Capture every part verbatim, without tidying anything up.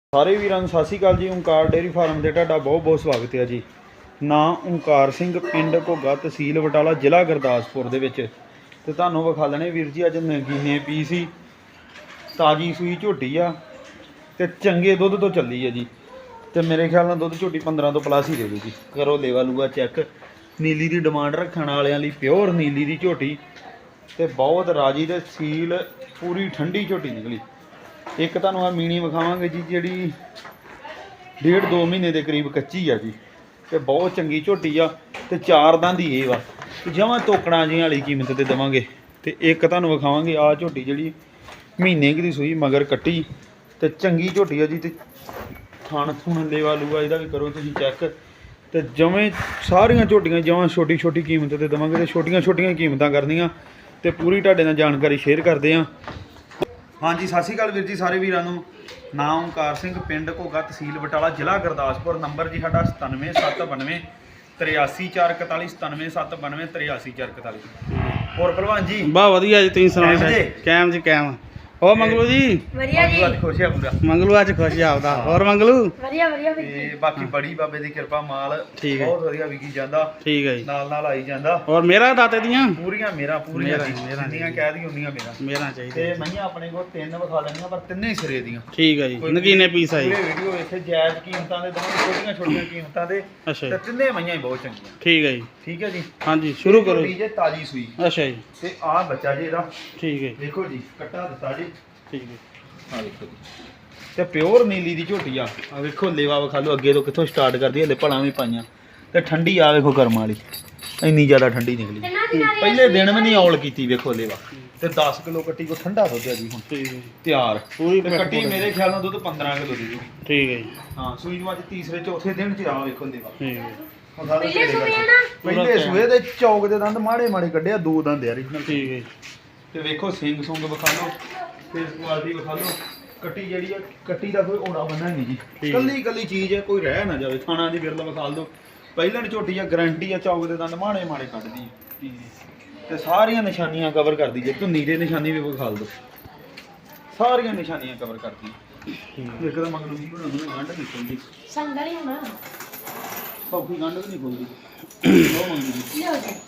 ਸਾਰੇ ਵੀਰਾਂ ਨੂੰ ਸਤਿ ਸ਼੍ਰੀ ਅਕਾਲ ਜੀ। ਓਂਕਾਰ ਡੇਅਰੀ ਫਾਰਮ ਤੇ ਤੁਹਾਡਾ ਬਹੁਤ ਬਹੁਤ ਸਵਾਗਤ ਹੈ ਜੀ। ਨਾਂ ਓਂਕਾਰ ਸਿੰਘ, ਪਿੰਡ ਘੋਗਾ, ਤਹਿਸੀਲ ਬਟਾਲਾ, ਜ਼ਿਲ੍ਹਾ ਗੁਰਦਾਸਪੁਰ ਦੇ ਵਿੱਚ। ਤੇ ਤੁਹਾਨੂੰ ਵਿਖਾ ਲੈਣੇ ਵੀਰ ਜੀ ਅੱਜ ਨਗੀਨੇ ਪੀ ਸੀ, ਤਾਜੀ ਸੂਈ ਝੋਟੀ ਆ ਤੇ ਚੰਗੇ ਦੁੱਧ ਤੋਂ ਚੱਲੀ ਹੈ ਜੀ। ਤੇ ਮੇਰੇ ਖਿਆਲ ਨਾਲ ਦੁੱਧ ਝੋਟੀ ਪੰਦਰਾਂ ਤੋਂ ਪਲੱਸ ਹੀ ਦੇ ਦੂਗੀ। ਕਰੋ ਲੇਵਾ ਲੂਗਾ ਚੈੱਕ। ਨੀਲੀ ਦੀ ਡਿਮਾਂਡ ਰੱਖਣ ਵਾਲਿਆਂ ਲਈ ਪਿਓਰ ਨੀਲੀ ਦੀ ਝੋਟੀ ਤੇ ਬਹੁਤ ਰਾਜੀ ਤੇ ਸੀਲ ਪੂਰੀ ਠੰਡੀ ਝੋਟੀ ਨਿਕਲੀ। ਇੱਕ ਤੁਹਾਨੂੰ ਆ ਮੀਣੀ ਵਿਖਾਵਾਂਗੇ ਜੀ, ਜਿਹੜੀ ਡੇਢ ਦੋ ਮਹੀਨੇ ਦੇ ਕਰੀਬ ਕੱਚੀ ਆ ਜੀ ਤੇ ਬਹੁਤ ਚੰਗੀ ਝੋਟੀ ਆ ਤੇ ਚਾਰ ਦੰਦ ਹੀ ਇਹ ਵਾ ਜਮਾਂ ਤੋਕਣਾ ਜਿਹੀਆਂ ਵਾਲੀ ਕੀਮਤ ਤੇ ਦੇਵਾਂਗੇ। ਤੇ ਇੱਕ ਤੁਹਾਨੂੰ ਵਿਖਾਵਾਂਗੇ ਆ ਝੋਟੀ ਜਿਹੜੀ ਮਹੀਨੇ ਕੁ ਦੀ ਸੂਈ ਮਗਰ ਕੱਟੀ ਤੇ ਚੰਗੀ ਝੋਟੀ ਆ ਜੀ। ਤੇ ਥਣ ਥੁਣ ਲੇਵਾ ਲੂਗਾ ਇਹਦਾ ਵੀ ਕਰੋ ਤੁਸੀਂ ਚੈੱਕ। ਤੇ ਜਵੇਂ ਸਾਰੀਆਂ ਝੋਟੀਆਂ ਜਮਾਂ ਛੋਟੀ ਛੋਟੀ ਕੀਮਤ ਤੇ ਦੇਵਾਂਗੇ ਤੇ ਛੋਟੀਆਂ ਛੋਟੀਆਂ ਕੀਮਤਾਂ ਕਰਨੀਆਂ ਤੇ ਪੂਰੀ ਤੁਹਾਡੇ ਨਾਲ ਜਾਣਕਾਰੀ ਸ਼ੇਅਰ ਕਰਦੇ ਹਾਂ। ਹਾਂਜੀ ਸਤਿ ਸ਼੍ਰੀ ਅਕਾਲ ਵੀਰ ਜੀ ਸਾਰੇ ਵੀਰਾਂ ਨੂੰ। ਨਾਂ ਓਂਕਾਰ ਸਿੰਘ, ਪਿੰਡ ਘੋਗਾ, ਤਹਿਸੀਲ ਬਟਾਲਾ, ਜ਼ਿਲ੍ਹਾ ਗੁਰਦਾਸਪੁਰ। ਨੰਬਰ ਜੀ ਸਾਡਾ ਸਤਾਨਵੇਂ ਸੱਤ ਬਾਨਵੇਂ ਤਰਿਆਸੀ ਚਾਰ ਇਕਤਾਲੀ, ਸਤਾਨਵੇਂ ਸੱਤ ਬਾਨਵੇਂ ਤਰਿਆਸੀ ਚਾਰ ਇਕਤਾਲੀ। ਹੋਰ ਭਲਵਾਨ ਜੀ? ਬਾ ਵਧੀਆ ਜੀ, ਤੁਸੀਂ ਸੁਣਾਓ? ਕੈਮ ਜੀ ਕੈਮ। ਹੋਰ ਮੰਗਲੂ ਜੀ? ਵਧੀਆ ਜੀ। ਅੱਜ ਖੁਸ਼ ਆ ਪੂਰਾ। ਮੰਗਲੂ ਅੱਜ ਖੁਸ਼ ਆਪਦਾ। ਹੋਰ ਮੰਗਲੂ? ਵਧੀਆ ਵਧੀਆ ਤੇ ਬਾਕੀ ਬੜੀ ਬਾਬੇ ਦੀ ਕਿਰਪਾ, ਮਾਲ ਬਹੁਤ ਵਧੀਆ ਵਿਕੀ ਜਾਂਦਾ। ਠੀਕ ਹੈ ਜੀ, ਨਾਲ ਨਾਲ ਆਈ ਜਾਂਦਾ। ਹੋਰ ਮੇਰਾ ਦਾਤੇ ਦੀਆਂ ਪੂਰੀਆਂ ਮੇਰਾ ਪੂਰੀਆਂ ਜਿੰਨੀਆਂ ਕਹਿ ਦੀ ਹੁੰਦੀਆਂ ਮੇਰਾ ਮੇਰਾ ਚਾਹੀਦਾ। ਤੇ ਮਈਆਂ ਆਪਣੇ ਕੋਲ ਤਿੰਨ ਵਿਖਾ ਲੈਣੀਆਂ ਪਰ ਤਿੰਨੇ ਹੀ ਸਿਰੇ ਦੀਆਂ। ਠੀਕ ਹੈ ਜੀ, ਨਗੀਨੇ ਪੀਸ ਆਈ। ਪੂਰੇ ਵੀਡੀਓ ਵੇਖੇ ਜਾਇਜ਼ ਕੀਮਤਾਂ ਦੇ ਦੋਵੇਂ ਛੋਟੀਆਂ ਛੋਟੀਆਂ ਕੀਮਤਾਂ ਦੇ। ਅੱਛਾ ਤੇ ਤਿੰਨੇ ਮਈਆਂ ਹੀ ਬਹੁਤ ਚੰਗੀਆਂ। ਠੀਕ ਹੈ ਜੀ। ਠੀਕ ਹੈ ਜੀ। ਹਾਂਜੀ ਸ਼ੁਰੂ ਕਰੋ ਜੀ। ਜੇ ਤਾਜੀ ਸੂਈ। ਅੱਛਾ ਜੀ। ਤੇ ਆਹ ਬੱਚਾ ਜੀ ਇਹਦਾ। ਠੀਕ ਹੈ। ਦੇਖੋ ਜੀ ਕੱਟਾ ਦਿੱਤਾ ਜੀ। ਠੀਕ ਹੈ। ਆ ਦੇਖੋ ਜੀ ਤੇ ਪਿਓਰ ਨੀਲੀ ਦੀ ਝੋਟੀ ਆ। ਆ ਵੇਖੋ ਲੇਵਾ ਵਿਖਾ ਲਓ ਅੱਗੇ ਤੋਂ ਕਿੱਥੋਂ ਸਟਾਰਟ ਕਰਦੀ ਹੈ। ਹਲੇ ਭਲਾਂ ਵੀ ਪਾਈਆਂ ਤੇ ਠੰਡੀ ਆ ਵੇਖੋ ਕਰਮ ਵਾਲੀ, ਇੰਨੀ ਜ਼ਿਆਦਾ ਠੰਡੀ ਨਿਕਲੀ। ਪਹਿਲੇ ਦਿਨ ਵੀ ਨਹੀਂ ਔਲ ਕੀਤੀ। ਵੇਖੋ ਲੇਵਾ ਤੇ ਦਸ ਕਿਲੋ ਕੱਟੀ ਕੋ ਠੰਡਾ ਦੁੱਧ ਹੈ ਜੀ ਹੁਣ। ਠੀਕ ਹੈ ਤਿਆਰ ਪੂਰੀ ਕੱਟੀ ਮੇਰੇ ਖਿਆਲ ਨਾਲ ਦੁੱਧ ਪੰਦਰਾਂ ਕਿਲੋ ਦੀ ਜੀ। ਠੀਕ ਹੈ ਜੀ। ਹਾਂ ਸੂਈ ਨੂੰ ਅੱਜ ਤੀਸਰੇ ਚੌਥੇ ਦਿਨ ਚ ਆ ਵੇਖੋ ਲੇਵਾ। ਠੀਕ ਹੈ। ਪਹਿਲੇ ਸੂਏ ਦੇ ਚੌਕ ਦੇ ਦੰਦ ਮਾੜੇ ਮਾੜੇ ਕੱਢਿਆ, ਦੋ ਦੰਦ ਯਾਰ। ਠੀਕ ਹੈ। ਤੇ ਵੇਖੋ ਸਿੰਘ ਸੁੰਗ ਵਿਖਾ ਲਓ, ਫੇਸ ਕੁਆਲਿਟੀ ਵਿਖਾ ਲਓ। ਕੱਟੀ ਜਿਹੜੀ ਆ ਕੱਟੀ ਦਾ ਕੋਈ ਓੜਾ ਬੰਨਾ ਨਹੀਂ ਜੀ, ਕੱਲੀ ਕੱਲੀ ਚੀਜ਼ ਹੈ, ਕੋਈ ਰਹਿ ਨਾ ਜਾਵੇ। ਥਾਣਾ ਦੀ ਬਿਰਲਾ ਵਿਖਾ ਦਿਓ। ਪਹਿਲਾਂ ਝੋਟੀ ਆ, ਗਰੰਟੀ ਆ, ਚੌਕ ਦੇ ਦੰਦ ਮਾੜੇ ਮਾੜੇ ਕੱਢਦੀ ਹੈ ਤੇ ਸਾਰੀਆਂ ਨਿਸ਼ਾਨੀਆਂ ਕਵਰ ਕਰਦੀ ਜੇ। ਧੁੰਨੀ ਦੇ ਨਿਸ਼ਾਨੀ ਵੀ ਵਿਖਾ ਦਿਓ, ਸਾਰੀਆਂ ਨਿਸ਼ਾਨੀਆਂ ਕਵਰ ਕਰਦੀ। ਇੱਕ ਤਾਂ ਮਗਲੂ ਜੀ ਬਣਾ ਦੋ ਗੰਢ ਨਹੀਂ ਖੁੱਲਦੀ, ਸੰਗਲੀ ਹੋਣਾ ਸੌਖੀ ਗੰਢ ਵੀ ਨਹੀਂ ਖੁੱਲਦੀ। ਉਹ ਮੰਗੀ ਜੀ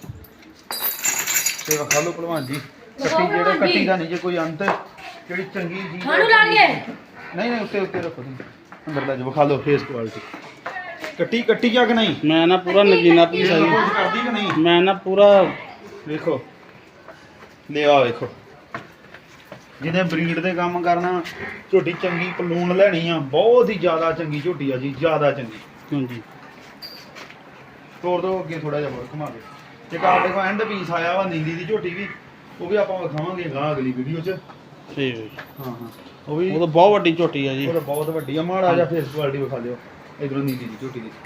ਤੇ ਵਿਖਾ ਲਓ ਭਲਵਾਨ ਜੀ ਕੱਟੀ। ਜਿਹੜਾ ਕੱਟੀ ਦਾ ਨਹੀਂ ਜੇ ਕੋਈ ਅੰਤ, ਜਿਹੜੀ ਚੰਗੀ ਜੀ ਨਹੀਂ ਨਹੀਂ ਉੱਤੇ ਉੱਤੇ ਰੱਖੋ ਤੁਸੀਂ ਅੰਦਰਲਾ ਜੀ। ਵਿਖਾ ਲਓ ਫੇਸ ਕੁਆਲਿਟੀ। ਕੱਟੀ ਕੱਟੀ ਜਾਂ ਕਿ ਨਹੀਂ? ਮੈਂ ਨਾ ਪੂਰਾ ਨਗੀਨਾ ਪੀਸ ਆ ਕਰਦੀ ਕਿ ਨਹੀਂ? ਮੈਂ ਨਾ ਪੂਰਾ ਵੇਖੋ ਲੇਵਾ ਵੇਖੋ। ਜਿਹਨੇ ਬਰੀਡ ਦੇ ਕੰਮ ਕਰਨਾ, ਝੋਟੀ ਚੰਗੀ ਪਲੂਣ ਲੈਣੀ ਆ, ਬਹੁਤ ਹੀ ਜ਼ਿਆਦਾ ਚੰਗੀ ਝੋਟੀ ਆ ਜੀ, ਜ਼ਿਆਦਾ ਚੰਗੀ। ਹਾਂਜੀ ਤੋੜ ਦੋ ਅੱਗੇ ਥੋੜਾ ਜਿਹਾ ਹੋਰ ਘੁਮਾ ਕੇ। ਇੱਕ ਆਪਣੇ ਕੋਲ ਐਂਡ ਪੀਸ ਆਇਆ ਵਾ ਨੀਲੀ ਦੀ ਝੋਟੀ ਵੀ, ਉਹ ਵੀ ਆਪਾਂ ਵਿਖਾਵਾਂਗੇ ਗਾਂ ਅਗਲੀ ਵੀਡੀਓ 'ਚ। ਠੀਕ ਹੈ ਜੀ। ਹਾਂ ਹਾਂ ਉਹ ਵੀ ਉਹ ਤਾਂ ਬਹੁਤ ਵੱਡੀ ਝੋਟੀ ਆ ਜੀ। ਉਹ ਤਾਂ ਬਹੁਤ ਵੱਡੀ ਆ। ਮਾੜਾ ਜਿਹਾ ਫੇਸ ਕੁਆਲਿਟੀ ਵਿਖਾ ਦਿਓ ਇਧਰੋਂ ਨੀਲੀ ਦੀ ਝੋਟੀ ਦੀ।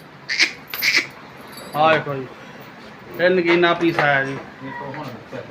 ਆਹ ਦੇਖੋ ਜੀ, ਇਹ ਨਗੀਨਾ ਪੀਸ ਆਇਆ ਜੀ। ਦੇਖੋ ਹੁਣ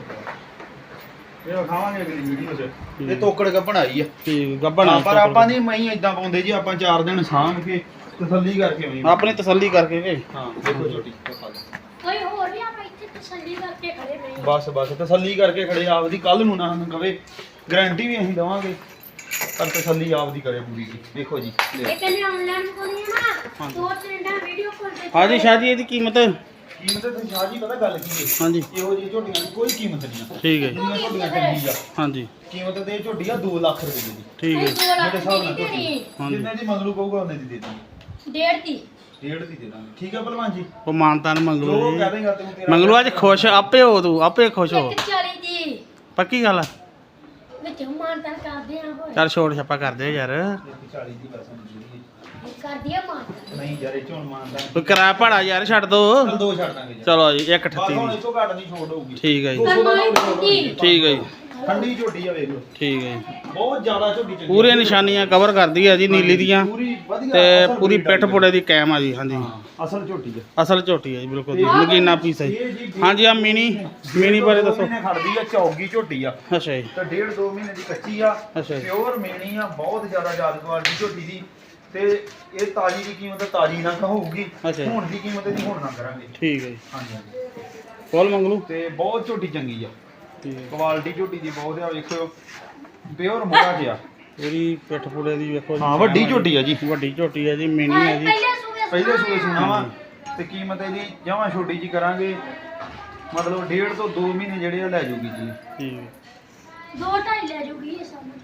ਇਹ ਵਿਖਾਵਾਂਗੇ ਅਗਲੀ ਵੀਡੀਓ 'ਚ। ਇਹ ਤੋਕੜ ਗੱਭਣ ਆਈ ਆ। ਠੀਕ ਗੱਭਣ। ਪਰ ਆਪਾਂ ਨਹੀਂ ਮਈ ਇਦਾਂ ਪਾਉਂਦੇ ਜੀ, ਆਪਾਂ ਚਾਰ ਦਿਨ ਸਾਂਭ ਕੇ ਤਸੱਲੀ ਕਰਕੇ ਆਉਂਦੇ ਆਪਣੀ ਤਸੱਲੀ ਕਰਕੇ। ਹਾਂ ਦੇਖੋ ਝੋਟੀ ਵਿਖਾ ਦਿਓ। ਕੋਈ ਹੋਰ ਵੀ ਆਪਾਂ ਇੱਥੇ ਤਸੱਲੀ ਕਰਕੇ ਖੜੇ ਨਹੀਂ। ਬਸ ਬਸ ਤਸੱਲੀ ਕਰਕੇ ਖੜੇ ਆਪਦੀ। ਕੱਲ ਨੂੰ ਨਾ ਸਾਨੂੰ ਕਵੇ, ਗਾਰੰਟੀ ਵੀ ਅਸੀਂ ਦਵਾਂਗੇ ਪਰ ਤਸੱਲੀ ਆਪਦੀ ਕਰੇ ਪੂਰੀ ਜੀ। ਦੇਖੋ ਜੀ ਇਹ ਕਹਿੰਦੇ ਆਨਲਾਈਨ ਕੋਣੀ ਹੈ ਨਾ, ਦੋ ਤਿੰਨ ਵੀਡੀਓ ਕਾਲ ਤੇ। ਹਾਂਜੀ ਸ਼ਾਹ ਜੀ ਇਹਦੀ ਕੀਮਤ ਕੀਮਤ ਤੇ ਸ਼ਾਹ ਜੀ ਪਤਾ ਗੱਲ ਕੀ ਹੈ? ਹਾਂਜੀ ਇਹੋ ਜਿਹੀ ਝੋਟੀਆਂ ਦੀ ਕੋਈ ਕੀਮਤ ਨਹੀਂ ਆ। ਠੀਕ ਹੈ। ਜਿੰਨੀਆਂ ਝੋਟੀਆਂ ਚੰਗੀ ਆ। ਹਾਂਜੀ ਕੀਮਤ ਤੇ ਇਹ ਝੋਟੀ ਆ ਦੋ ਲੱਖ ਰੁਪਏ ਦੀ। ਠੀਕ ਹੈ। ਮੇਰੇ ਹਿਸਾਬ ਨਾਲ ਜਿੰਨੇ ਦੀ ਮੰਗਲੂ ਕਹੂਗਾ ਉਹਨੇ ਦੀ ਦੇ ਦਾਂਗੇ। ਡੇਢ ਦੀ ਡੇਢ ਦੀ ਦੇ ਦਾਂਗੇ। ਠੀਕ ਹੈ ਭਲਵਾਨ ਜੀ। ਉਹ ਮਾਨਤਾਨ ਮੰਗਲੂ ਜੀ। ਕਹਿ ਦੇਗਾ ਤੂੰ ਤੇਰਾ ਮੰਗਲੂ ਅੱਜ ਖੁਸ਼ ਆਪੇ ਹੋ, ਤੂੰ ਆਪੇ ਖੁਸ਼ ਹੋ। ਚਾਲੀ ਦੀ ਪੱਕੀ ਗੱਲ ਆ। ਵਿੱਚ ਮਾਨਤਾਨ ਕਰਦੇ ਆ ਹੋਏ। ਚੱਲ ਛੋੜ ਛੱਪਾ ਕਰਦੇ ਯਾਰ। ਚਾਲੀ ਦੀ ਬਸ ਕਰਦੀ ਆ ਮਾਨਤਾਨ। ਨਹੀਂ ਯਾਰ ਇਹ ਚੋਂ ਮਾਨਤਾਨ ਕੋਈ ਕਿਰਾਇਆ ਭਾੜਾ ਯਾਰ ਛੱਡ ਦੋ। ਚਲ ਦੋ ਛੱਡ ਦਾਂਗੇ। ਚਲੋ ਜੀ ਇੱਕ ਅਠੱਤੀ ਦੀ। ਇਸ ਤੋਂ ਘੱਟ ਨਹੀਂ ਛੋੜ ਹੋਊਗੀ। ਠੀਕ ਹੈ ਜੀ। ਠੀਕ ਹੈ ਜੀ। ਠੰਡੀ ਝੋਟੀ ਆ ਵੇਖ ਲਓ। ਠੀਕ ਹੈ ਜੀ। ਬਹੁਤ ਜ਼ਿਆਦਾ ਝੋਟੀ ਚੰਗੀ। ਪੂਰੀਆਂ ਨਿਸ਼ਾਨੀਆਂ ਕਵਰ ਕਰਦੀ ਆ ਜੀ ਨੀਲੀ ਦੀਆਂ ਤੇ ਪੂਰੀ ਪਿੱਠ ਪੁੜੇ ਦੀ ਕੈਮ ਆ ਜੀ। ਹਾਂਜੀ ਅਸਲ ਝੋਟੀ ਆ। ਅਸਲ ਝੋਟੀ ਆ ਜੀ ਬਿਲਕੁਲ ਜੀ। ਨਗੀਨਾ ਪੀਸ ਹੈ ਜੀ। ਹਾਂਜੀ ਆ ਮਿਨੀ ਮਿਨੀ ਬਾਰੇ ਦੱਸੋ। ਖੜਦੀ ਆ ਚੌਗੀ ਝੋਟੀ ਆ। ਅੱਛਾ ਜੀ। ਤੇ ਡੇਢ ਦੋ ਮਹੀਨੇ ਦੀ ਕੱਚੀ ਆ। ਅੱਛਾ ਜੀ। ਪਿਓਰ ਮੇਣੀ ਆ, ਬਹੁਤ ਜ਼ਿਆਦਾ ਯਾਦਗਾਰ ਦੀ ਝੋਟੀ ਦੀ। ਤੇ ਇਹ ਤਾਜੀ ਦੀ ਕੀਮਤ ਤਾਜੀ ਨਾ ਹੋਊਗੀ, ਹੁਣ ਦੀ ਕੀਮਤ ਦੀ ਹੁਣ ਨਾ ਕਰਾਂਗੇ। ਠੀਕ ਹੈ ਜੀ। ਹਾਂਜੀ ਹਾਂਜੀ ਫੁੱਲ ਮੰਗਲੂ ਤੇ ਬਹੁਤ ਝੋਟੀ ਚੰਗੀ ਆ। ਕੁਆਲਿਟੀ ਝੋਟੀ ਦੀ ਬਹੁਤ ਆ। ਵੇਖੋ ਪਿਓਰ ਮੋਹਰਾ ਜਿਹਾ ਪੂਰੀ ਪਿੱਠ ਪੂੜੇ ਦੀ ਵੇਖੋ ਜੀ। ਹਾਂ ਵੱਡੀ ਝੋਟੀ ਆ ਜੀ, ਵੱਡੀ ਝੋਟੀ ਹੈ ਜੀ, ਮਿੰਨੀ ਹੈ ਜੀ। ਪਹਿਲੇ ਸੂਏ ਸੁਣਾ ਵਾ ਤੇ ਕੀਮਤ ਇਹਦੀ ਜਮਾਂ ਛੋਟੀ ਜੀ ਕਰਾਂਗੇ, ਮਤਲਬ ਡੇਢ ਤੋਂ ਦੋ ਮਹੀਨੇ ਜਿਹੜੇ ਆ ਲੈ ਜੂਗੀ ਜੀ। ਠੀਕ ਹੈ। ਦੋ ਢਾਈ ਲੈ ਜੂਗੀ ਇਹ ਸਾਨੂੰ।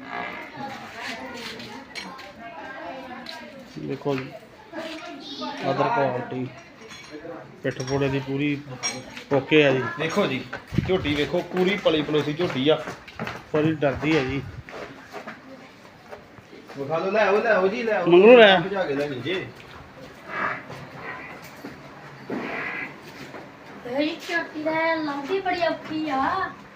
ਦੇਖੋ ਜੀ ਅਦਰ ਕੁਆਲਿਟੀ ਪਿੱਠ ਪੂੜੇ ਦੀ ਪੂਰੀ ਓਕੇ ਆ ਜੀ। ਦੇਖੋ ਜੀ ਝੋਟੀ ਵੇਖੋ ਪੂਰੀ ਪਲੀ ਪਲੋਸੀ ਝੋਟੀ ਆ, ਪੂਰੀ ਡਰਦੀ ਹੈ ਜੀ। ਵਿਖਾ ਲਓ, ਲੈ ਆਓ ਲੈ ਆਓ ਜੀ, ਲੈ ਆਓ ਮੰਗਲੂ ਲੈ। ਭਜਾ ਕੇ ਲੈ ਗਏ ਜੀ। ਇਹ ਝੋਟੀ ਦਾ ਲੰਬੀ ਬੜੀ ਔਖੀ ਆ।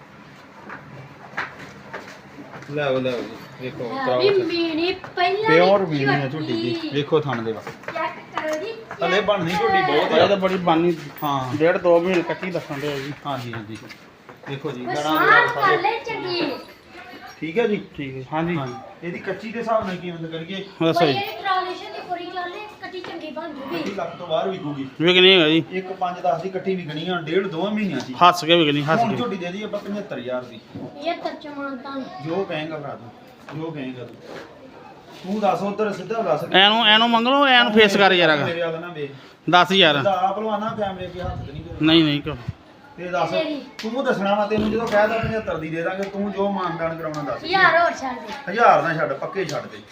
ਲੈ ਆਓ ਲੈ ਆਓ ਜੀ, ਵੇਖੋ ਵੀ ਮੀਣੀ ਪਹਿਲਾਂ ਪਿਓਰ ਮੀਨੀ ਆ ਝੋਟੀ ਜੀ, ਵੇਖੋ ਥਣ ਦੇ ਵਾ ਚੈੱਕ ਕਰੋ ਜੀ। ਹਲੇ ਬਣਨੀ ਝੋਟੀ ਬਹੁਤ ਇਹ ਆ। ਤਾਂ ਬੜੀ ਬਾਨੀ ਹਾਂ ਡੇਢ ਦੋ ਮਹੀਨੇ ਕੱਟੀ ਦੱਸਣ ਦੇ ਜੀ। ਹਾਂਜੀ ਹਾਂਜੀ ਦੇਖੋ ਜੀ ਗਣਾ ਸਾਨ ਕਰ ਲੈ ਚੰਗੀ। ਠੀਕ ਹੈ ਜੀ। ਠੀਕ ਹੈ। ਹਾਂਜੀ ਹਾਂਜੀ ਇਹਦੀ ਕੱਚੀ ਦੇ ਹਿਸਾਬ ਨਾਲ ਕੀਮਤ ਕਰੀਏ ਦੱਸੋ ਕੋਈ ਜੀ। ਇਹ ਟ੍ਰਾਂਜੈਕਸ਼ਨ ਦੀ ਪੂਰੀ ਚੱਲੇ ਕੱਟੀ ਚੰਗੀ ਬਣ ਜੂਗੀ। ਵੀਹ ਲੱਖ ਤੋਂ ਬਾਹਰ ਵਿਕੂਗੀ। ਵਿਕਣੀ ਹੈਗਾ ਜੀ, ਇੱਕ ਪੰਜ ਦਸ ਦੀ ਕੱਟੀ ਵਿਕਣੀ ਆ ਡੇਢ ਦੋ ਮਹੀਨਿਆਂ ਦੀ। ਹੱਸ ਕੇ ਵਿਕਣੀ, ਹੱਸ ਹੁਣ ਕੇ। ਝੋਟੀ ਦੇ ਦੀ ਆਪਾਂ ਪਝੱਤਰ ਹਜ਼ਾਰ ਦੀ, ਇਹ ਤਰਜਮਾਨ ਤਾਂ ਜੋ ਕਹੇਗਾ ਭਰਾ ਤੂੰ, ਜੋ ਕਹੇਗਾ ਤੂੰ ਤੂੰ ਦੱਸ ਉਧਰ ਸਿੱਧਾ ਦੱਸ। ਐਨੂੰ ਐਨੂੰ ਮੰਗ ਲਓ, ਐਨੂੰ ਫੇਸ ਕਰ ਯਾਰ। ਮੇਰੇ ਵਾਲਾ ਨਾ ਵੇਖ ਦਸ ਹਜ਼ਾਰ ਦਾ ਆਪ ਲਵਾਣਾ ਕੈਮਰੇ ਕੇ ਹੱਥ ਤੇ ਨਹੀਂ ਕਰਨਾ। ਨਹੀਂ ਨਹੀਂ ਕਰੋ। ਤੇ ਦੱਸ ਤੂੰ ਦੱਸਣਾ ਵਾ, ਤੈਨੂੰ ਜਦੋਂ ਕਹਿਦਾ ਪਝੱਤਰ ਦੀ ਦੇ ਦਾਂਗੇ, ਤੂੰ ਜੋ ਮਾਨਦਾਨ ਕਰਾਉਣਾ ਦੱਸ। ਯਾਰ ਹੋਰ ਛੱਡ ਦੇ। ਹਜ਼ਾਰ ਨਾ ਛੱਡ, ਪੱਕੇ ਛੱਡ ਦੇ।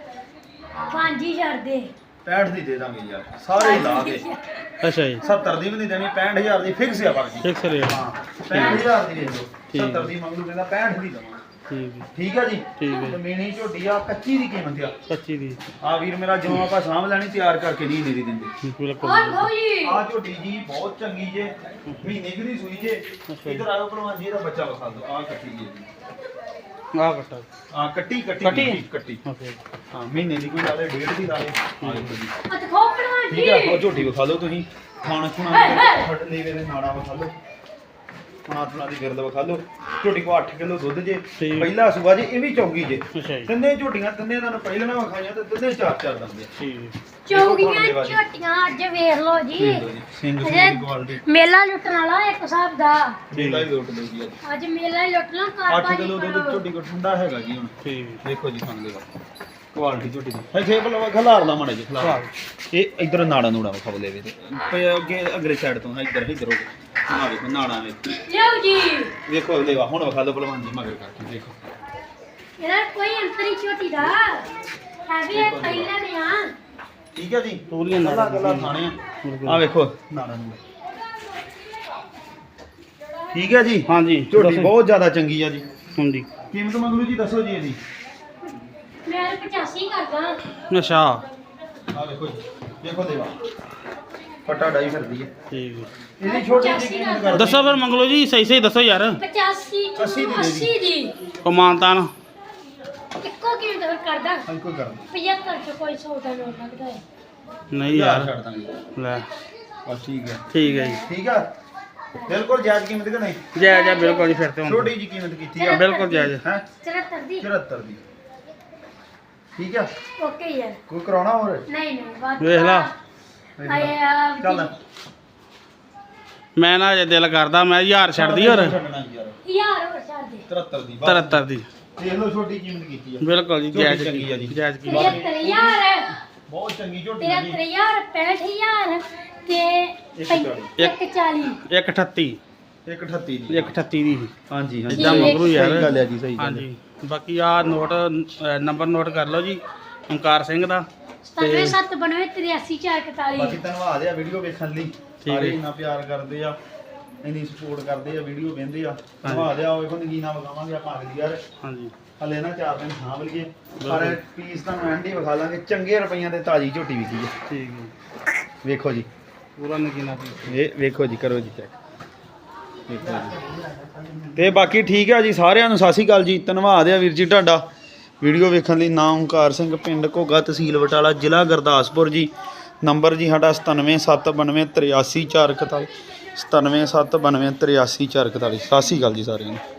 ਪੰਜ ਹੀ ਛੱਡ ਦੇ। ਪੈਂਹਠ ਦੀ ਦੇ ਦਾਂਗੇ ਯਾਰ, ਸਾਰੇ ਹੀ ਲਾ ਕੇ। ਅੱਛਾ ਜੀ, ਸੱਤਰ ਦੀ ਵੀ ਨਹੀਂ ਦੇਣੀ, ਪੈਂਹਠ ਹਜ਼ਾਰ ਦੀ ਫਿਕਸ ਆ ਬਾਕੀ। Fix rate. ਹਾਂ ਪੈਂਹਠ ਹਜ਼ਾਰ ਦੀ ਦੇ ਦਿਓ, ਠੀਕ। ਸੱਤਰ ਦੀ ਮੰਗ ਲੂ ਕਹਿੰਦਾ ਪੈਂਹਠ ਦੀ ਦਵਾਂ। ਠੀਕ ਹੈ, ਠੀਕ ਆ ਜੀ। ਠੀਕ ਹੈ। ਤੇ ਮੀਣੀ ਝੋਟੀ ਆ, ਕੱਚੀ ਦੀ ਕੀਮਤ ਆ। ਕੱਚੀ ਦੀ ਆ ਵੀਰ ਮੇਰਾ ਜਿਉਂ ਆਪਾਂ ਸਾਂਭ ਲੈਣੀ, ਤਿਆਰ ਕਰਕੇ ਨਹੀਂ ਦੇ ਦਿੰਦੇ। ਬਿਲਕੁਲ। ਹੋਰ ਭਾਈ ਆ ਝੋਟੀ ਜੀ ਬਹੁਤ ਚੰਗੀ ਜੇ, ਮਹੀਨੇ ਕਿ ਦੀ ਸੂਈ ਜੇ। ਇਧਰ ਆਓ ਭਲਵਾਨ ਜੀ, ਇਹਦਾ ਬੱਚਾ ਵਿਖਾ ਦਿਓ। ਆ ਕੱਟੀ ਜੀ, ਆਹ ਕੱਟਾ। ਆ ਕੱਟੀ ਕੱਟੀ ਕੱਟੀ? ਕੱਟੀ ਕੱਟੀ ਓਕੇ। ਹਾਂ ਮਹੀਨੇ ਦੀ ਕੋਈ ਲਾਲੇ, ਡੇਢ ਦੀ ਲਾਲੇ। ਆ ਦੇਖੋ ਜੀ ਆ ਤੇ ਖੋਪੜਵਾ ਜੀ। ਠੀਕ ਆ। ਉਹ ਝੋਟੀ ਵਿਖਾ ਲਓ ਤੁਸੀਂ, ਖਾਣ ਖੁਣਾ ਫੜ ਲੀਵੇ ਦੇ ਨਾੜਾ ਵਿਖਾ ਲਓ, ਖਾਣਾ ਖੁਣਾ ਦੀ ਗਿਰਦ ਵਿਖਾ ਲਓ। ਝੋਟੀ ਕੋ ਅੱਠ ਕਿਲੋ ਦੁੱਧ ਜੇ, ਠੀਕ। ਪਹਿਲਾ ਸੂਆ ਜੀ, ਇਹ ਵੀ ਚੌਗੀ ਜੇ। ਅੱਛਾ ਜੀ, ਤਿੰਨੇ ਝੋਟੀਆਂ, ਤਿੰਨੇ ਤੁਹਾਨੂੰ ਪਹਿਲਾਂ ਨਾ ਵਿਖਾਈਆਂ ਤੇ ਤਿੰਨੇ ਚਾਰ ਚਾਰ ਦੰਦੇ। ਠੀਕ ਹੈ। ਚੌਗੀਆਂ ਝੋਟੀਆਂ ਅੱਜ ਵੇਖ ਲਓ ਜੀ। ਸਿੰਘ ਸਿੰਘ ਅਜੇ ਦੀ ਕੁਆਲਿਟੀ ਮੇਲਾ ਲੁੱਟਣ ਵਾਲਾ ਇੱਕ ਹਿਸਾਬ ਦਾ। ਮੇਲਾ ਹੀ ਲੋਟ ਲਓ ਜੀ ਅੱਜ। ਅੱਜ ਮੇਲਾ ਹੀ ਲੁੱਟ ਲਾਂ ਘਰ ਅੱਠ ਕਿਲੋ ਦੁੱਧ ਝੋਟੀ ਕੋ ਠੰਡਾ ਹੈਗਾ ਜੀ ਹੁਣ। ਠੀਕ ਹੈ। ਦੇਖੋ ਜੀ ਖਾਣ ਦੇ ਕੁਆਲਿਟੀ ਝੋਟੀ ਦੀ। ਇੱਥੇ ਬਲਵਾ ਖਲਾਰ ਲਾ ਮਾੜਾ ਜੀ ਖਲਾਰ। ਇਹ ਇਧਰ ਨਾੜਾ ਨੂੜਾ ਵਿਖਾਓ ਲੈਵੇ ਤੇ ਪਏ ਅੱਗੇ ਅਗਲੇ ਸਾਈਡ ਤੋਂ ਇੱਧਰ ਇੱਧਰ ਹੋ ਕੇ ਆ ਵੇਖੋ ਨਾੜਾ ਵੇਖ। ਲਿਓ ਜੀ। ਵੇਖੋ ਲੈਵਾ ਹੁਣ ਵਿਖਾ ਲਓ ਭਲਵਾਨ ਜੀ ਮਗਰ ਕਰਕੇ ਦੇਖੋ। ਇਹਦਾ ਕੋਈ ਅੰਤਰੀ ਝੋਟੀ ਦਾ ਹੈ ਵੀ ਇਹ ਪਹਿਲਾਂ ਨੇ ਆ। ਠੀਕ ਹੈ ਜੀ। ਪੂਰੀਆਂ ਗੱਲਾਂ ਨਾੜਾਂ ਗੱਲਾਂ ਖਾਣੇ ਬਿਲਕੁਲ। ਆ ਵੇਖੋ ਨਾੜਾ ਨੂੜਾ। ਠੀਕ ਹੈ ਜੀ। ਹਾਂਜੀ ਝੋਟੀ ਦੱਸੋ। ਬਹੁਤ ਜ਼ਿਆਦਾ ਚੰਗੀ ਆ ਜੀ। ਹਾਂਜੀ। ਕੀਮਤ ਮੰਗਲੂ ਜੀ ਦੱਸੋ ਜੀ ਇਹਦੀ। ਮੈਂ ਪਚਾਸੀ ਕਰਦਾ। ਅੱਛਾ ਆ ਵੇਖੋ ਜੀ, ਦੇਖੋ ਦੇਵਾ ਫਟਾ ਡਾਈ ਫਿਰਦੀ ਹੈ। ਠੀਕ ਹੈ। ਇਹਦੀ ਛੋਟੀ ਜਿਹੀ ਕੀਮਤ ਕਰ ਦੱਸੋ ਫਿਰ ਮੰਗ ਲਓ ਜੀ, ਸਹੀ ਸਹੀ ਦੱਸੋ ਯਾਰ। ਪਚਾਸੀ ਅੱਸੀ ਦੀ ਦੇ ਦੀ। ਅੱਸੀ ਦੀ ਕਮਾਨਤਾਨ ਇੱਕੋ ਕੀਮਤ ਫਿਰ ਕਰਦਾ। ਹਾਂ ਕੋਈ ਕਰ ਪਝੱਤਰ ਚ ਕੋਈ ਸੌ ਦਾ ਨੋਟ ਲੱਗਦਾ ਹੈ। ਨਹੀਂ ਯਾਰ ਛੱਡ ਦਾਂਗੇ ਲੈ। ਬਸ ਠੀਕ ਹੈ। ਠੀਕ ਹੈ ਜੀ, ਠੀਕ ਆ ਬਿਲਕੁਲ ਜਾਇਜ਼ ਕੀਮਤ ਕਿ ਨਹੀਂ। ਜੈ ਜੈ ਬਿਲਕੁਲ ਜੀ। ਫਿਰ ਤੇ ਹੁਣ ਛੋਟੀ ਜੀ ਕੀਮਤ ਕੀਤੀ ਆ ਬਿਲਕੁਲ ਜਾਇਜ਼। ਹੈ ਚੁਹੱਤਰ ਦੀ ਚੁਹੱਤਰ ਦੀ। ਠੀਕ ਆ ਓਕੇ ਯਾਰ। ਕੋਈ ਕਰਾਉਣਾ ਹੋਰ। ਨਹੀਂ ਨਹੀਂ ਬਾਤ ਵੇਖ ਲਾ। ਆਏ ਆ ਚੱਲ ਮੈਂ ਨਾ ਜੇ ਦਿਲ ਕਰਦਾ ਮੈਂ ਹਜ਼ਾਰ ਛੱਡਦੀ ਹੋਰ ਛੱਡਣਾ ਯਾਰ। ਯਾਰ ਹੋਰ ਛੱਡ ਦੇ। ਚੁਹੱਤਰ ਦੀ ਬਸ। ਤਰੱਤਰ ਦੀ ਦੇਖ ਲਓ ਛੋਟੀ ਕੀਮਤ ਕੀਤੀ ਆ। ਬਿਲਕੁਲ ਜੀ, ਝੋਟੀ ਜਾਇਜ਼ ਚੰਗੀ ਆ ਜੀ। ਜਾਇਜ਼ ਕੀ। ਪਝੱਤਰ ਹਜ਼ਾਰ ਬਹੁਤ ਚੰਗੀ ਝੋਟੀ ਆ ਜੀ। ਤੇਹੱਤਰ ਹਜ਼ਾਰ ਪੈਂਹਠ ਹਜ਼ਾਰ ਤੇ ਇੱਕ ਚਾਲੀ। ਇੱਕ ਚਾਲੀ। ਇੱਕ ਅਠੱਤੀ ਇੱਕ ਅਠੱਤੀ ਦੀ। ਇੱਕ ਅਠੱਤੀ ਦੀ ਹਾਂਜੀ ਹਾਂਜੀ ਇਦਾਂ ਮਗਰੂ ਯਾਰ। ਸਹੀ ਗੱਲ ਹੈ ਜੀ, ਸਹੀ ਗੱਲ ਹੈ। ਹਾਂਜੀ ਬਾਕੀ ਆ ਨੋਟ ਅ, ਨੰਬਰ ਨੋਟ ਕਰ ਲਓ ਜੀ ਓਮਕਾਰ ਸਿੰਘ ਦਾ। ਸਤਾਨਵੇਂ ਸੱਤ ਬਾਨਵੇਂ ਤਰਿਆਸੀ ਚਾਰ ਇਕਤਾਲੀ। ਬਾਕੀ ਧੰਨਵਾਦ ਆ ਵੀਡੀਓ ਵੇਖਣ ਲਈ। ਹੈ ਸਾਰੇ ਜੀ। ਇੰਨਾ ਪਿਆਰ ਕਰਦੇ ਆ, ਇੰਨੀ ਸਪੋਰਟ ਕਰਦੇ ਆ, ਵੀਡੀਓ ਵੇਖਦੇ ਆ। ਧੰਨਵਾਦ ਆ। ਵੇਖੋ ਨਗੀਨਾ ਵਿਖਾਵਾਂਗੇ ਆਪਾਂ ਅਗਲੀ ਯਾਰ। ਹਾਂਜੀ ਹਲੇ ਨਾ ਚਾਰ ਦਿਨ ਸਾਂਭ ਲਈਏ, ਪਰ ਪੀਸ ਤੁਹਾਨੂੰ ਐਂਡੀ ਵਿਖਾ ਲਾਂਗੇ। ਚੰਗੇ ਰੁਪਈਆਂ ਦੇ ਤਾਜੀ ਝੋਟੀ ਵਿਕੀ ਹੈ। ਠੀਕ ਹੈ। ਵੇਖੋ ਜੀ, ਪੂਰਾ ਨਗੀਨਾ ਪੀਸ। ਇਹ ਵੇਖੋ ਜੀ, ਕਰੋ ਜੀ ਚੈੱਕ। ਵੇਖੋ ਜੀ। ਤੇ ਬਾਕੀ ਠੀਕ ਆ ਜੀ, ਸਾਰਿਆਂ ਨੂੰ ਸਤਿ ਸ਼੍ਰੀ ਅਕਾਲ ਜੀ। ਧੰਨਵਾਦ ਆ ਵੀਰ ਜੀ ਤੁਹਾਡਾ ਵੀਡੀਓ ਵੇਖਣ ਲਈ। ਨਾਮ ਓਮਕਾਰ ਸਿੰਘ, ਪਿੰਡ ਘੋਗਾ, ਤਹਿਸੀਲ ਬਟਾਲਾ, ਜ਼ਿਲ੍ਹਾ ਗੁਰਦਾਸਪੁਰ ਜੀ। ਨੰਬਰ ਜੀ ਸਾਡਾ ਸਤਾਨਵੇਂ ਸੱਤ ਬਾਨਵੇਂ ਤਰਿਆਸੀ ਚਾਰ ਇਕਤਾਲੀ। ਸਤਾਨਵੇਂ ਸੱਤ ਬਾਨਵੇਂ ਤਰਿਆਸੀ ਚਾਰ ਇਕਤਾਲੀ। ਸਤਿ ਸ਼੍ਰੀ ਅਕਾਲ ਜੀ ਸਾਰਿਆਂ ਨੂੰ।